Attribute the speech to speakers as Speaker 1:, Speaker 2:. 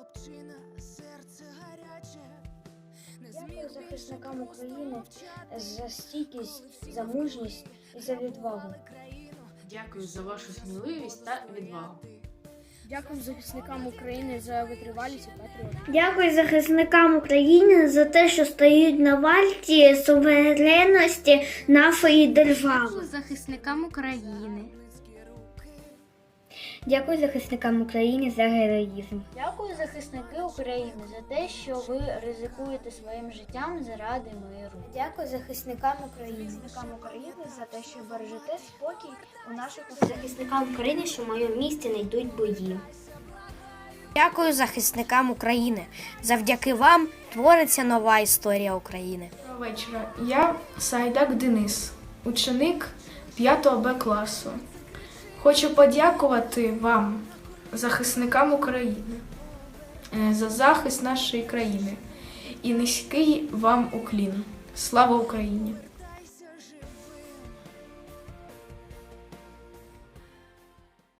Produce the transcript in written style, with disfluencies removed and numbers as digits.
Speaker 1: Дякую захисникам України за стійкість, за мужність і за відвагу.
Speaker 2: Дякую за вашу сміливість та відвагу.
Speaker 3: Дякую захисникам України за витривалість і патріотизм.
Speaker 4: Дякую захисникам України за те, що стоять на варті суверенності нашої держави.
Speaker 5: Дякую захисникам України.
Speaker 4: Дякую захисникам України за героїзм.
Speaker 1: Дякую захисники України за те, що ви ризикуєте своїм життям заради миру. Дякую захисникам України за те, що бережете спокій у наших
Speaker 4: Захисникам України, що в моєму місті не йдуть бої.
Speaker 5: Дякую захисникам України. Завдяки вам твориться нова історія України.
Speaker 6: Доброго вечора. Я Сайдак Денис, ученик 5 Б класу. Хочу подякувати вам, захисникам України, за захист нашої країни. І низький вам уклін. Слава Україні!